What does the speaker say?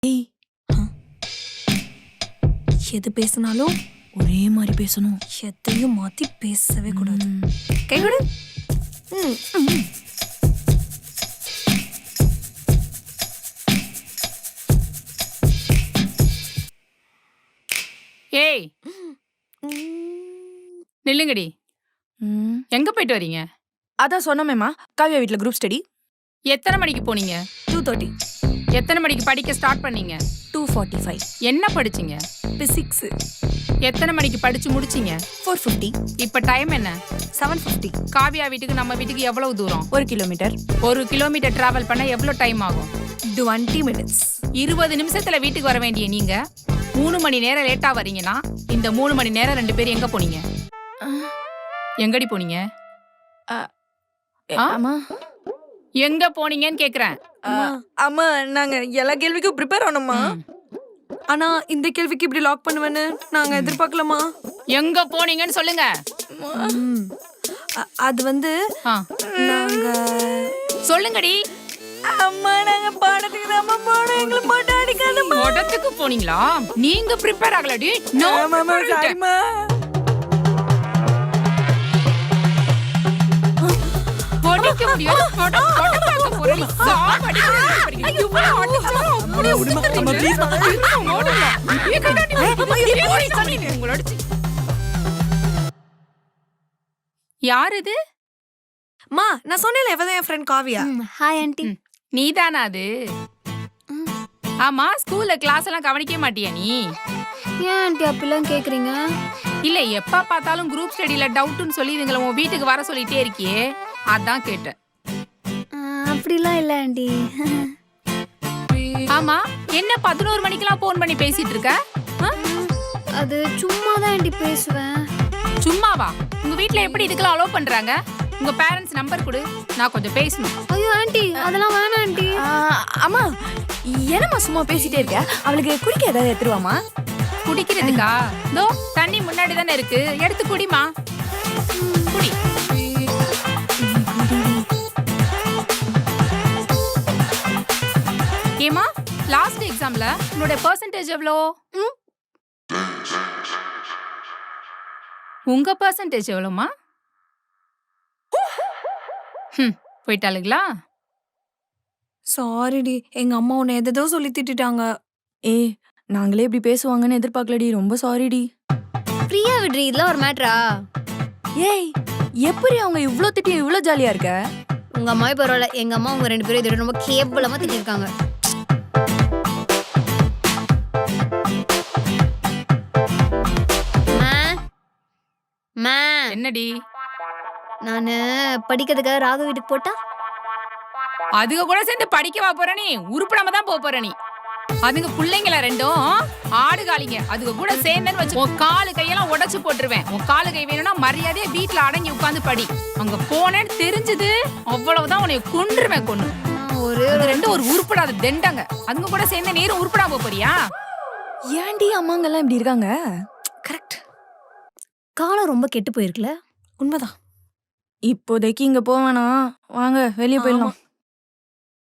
ஏய், எது பேசினாலும் ஒரே மாதிரி பேசணும். எதையும் மாத்தி பேசவே கூடாது. கை கொடு. ஏய் நில்லுங்கடி. எங்க போயிட்டு வரீங்க? அதான் சொன்னமேமா, காவியா வீட்ல குரூப் ஸ்டடி. எத்தனை மணிக்கு போனீங்க? 2:30. எத்தனை மணிக்கு படிக்க ஸ்டார்ட் பண்ணீங்க? 2:45. என்ன படிச்சீங்க? பிசிக்ஸ். எத்தனை மணிக்கு படிச்சு முடிச்சீங்க? 4:50. இப்ப டைம் என்ன? 7:50. காவியா வீட்டுக்கு நம்ம வீட்டுக்கு எவ்வளவு தூரம்? 1 கிலோமீட்டர். 1 கிலோமீட்டர் டிராவல் பண்ண எவ்வளவு டைம் ஆகும்? 20 minutes. 20 நிமிஷத்துல வீட்டுக்கு வர வேண்டிய நீங்க 3 மணி நேரம் லேட்டா வரீங்கன்னா இந்த 3 மணி நேரம் 2 பேரும் எங்க போனீங்க? எங்கடி போனீங்க? அம்மா எங்க போனீங்கன்னு கேக்குறேன். அம்மா, நாங்க எல்லா கேள்விக்கும் ப்ரிப்பேர் ஆனோம்மா. ஆனா இந்த கேள்விக்கு இப்படி லாக் பண்ணுவேன்னு நாங்க எதிர்பார்க்கலாமா? எங்க போனீங்கன்னு சொல்லுங்க. அது வந்து நாங்க சொல்லுங்கடி. அம்மா, நாங்க பாடத்துக்கு தான் போனோம். எங்களை போட்டு அடிக்காதம்மா. படத்துக்கு போனீங்களா? நீங்க ப்ரிப்பேர் ஆகலடி. நோ சாரிம்மா. படிக்க முடியாது. படம் பார்க்க போறீங்க. சாப் அடிக்கிறீங்க. ஐயோ, அடிச்சா அப்படியே அம்மா, ப்ளீஸ் யார் இது? மா, நான் சொன்னேன்ல இவதான் என் ஃப்ரெண்ட் காவியா. Hi aunty. நீதானா அது? ஆமா, ஸ்கூல்ல கிளாஸ் எல்லாம் கவனிக்க மாட்டியா நீ? ஏன் ஆண்டி அப்படிலாம் கேக்குறீங்க? இல்ல, எப்ப பார்த்தாலும் குரூப் ஸ்டடில டவுட்னு சொல்லி இதுங்களை உன் வீட்டுக்கு வர சொல்லிட்டே இருக்கியே, அதான் கேட்டேன். அப்படிலாம் இல்ல ஆண்டி. ஆமா, என்ன 11 மணிக்கெல்லாம் போன் பண்ணி பேசிட்டு இருக்க? அது சும்மா தான் ஆண்டி பேசுவேன். சும்மாவா? உங்க வீட்ல எப்படி இதுக்கெல்லாம் அலோவ் பண்றாங்க? உங்க பேரண்ட்ஸ் நம்பர் கொடு, நான் கொஞ்சம் பேசணும். ஐயோ ஆண்டி, அதெல்லாம் வேணாம் ஆண்டி. அம்மா, என்னம்மா சும்மா பேசிட்டே இருக்க? அவளுக்கு குடிக்க ஏதாவது எடுத்துருவாமா? குடிக்கிறதுக்கா? தோ தண்ணி முன்னாடி தானே இருக்கு, எடுத்து குடிமா. குடி. ஏமா, லாஸ்ட் எக்ஸாம்ல உன்னோட பெர்சன்டேஜ் எவ்வளோ? உங்க பெர்சன்டேஜ் எவ்வளோமா? போயிட்டாளுங்களா? சாரிடி, எங்க அம்மா உன்னை எதோ சொல்லி திட்டாங்க. நாங்களே இப்படி பேசுவாங்கன்னு எதிர்பார்க்கலடி. ரொம்ப சாரிடி. ஃப்ரீயா விடுறீ, இதெல்லாம் ஒரு மேட்டரா? ஏய், எப்படி அவங்க இவ்ளோ திட்டி இவ்ளோ ஜாலியா இருக்க? உங்க அம்மாவே பரவாயில்ல, எங்க அம்மா உங்க 2 பேரும் இதோட ரொம்ப கேவலமா திட்டிருக்காங்க. என்னடி? நானு படிக்கிறதுக்காக ராகு வீட்டுக்கு போட்டா அதுக கூட சேர்ந்து படிக்கவா போற நீ? உருப்படாம தான் போற நீ. அதுங்க பிள்ளைங்கள ரெண்டும் ஆடுகாலிங்க. அதுக கூட சேர்ந்தேன்னு வச்சு உன் காலு கையெல்லாம் உடைச்சு போட்டுருவேன். உன் காலு கை வேணும்னா மரியாதையா வீட்டுல அடங்கி உட்காந்து படி. அங்க போனேன்னு தெரிஞ்சது அவ்வளவுதான், உன்னை கொன்றுவேன். கொன்னு அது ரெண்டும் ஒரு உருப்படாத தெண்டங்க. அதுங்க கூட சேர்ந்து நேரம் உருப்படாம போறியா? ஏன்டி அம்மாங்கெல்லாம் இப்படி இருக்காங்க? கரெக்ட். காலம் ரொம்ப கெட்டு போயிருக்குல. உண்மைதான். இப்போதைக்கு இங்க போவேனா, வாங்க வெளியே போயிடலாம்.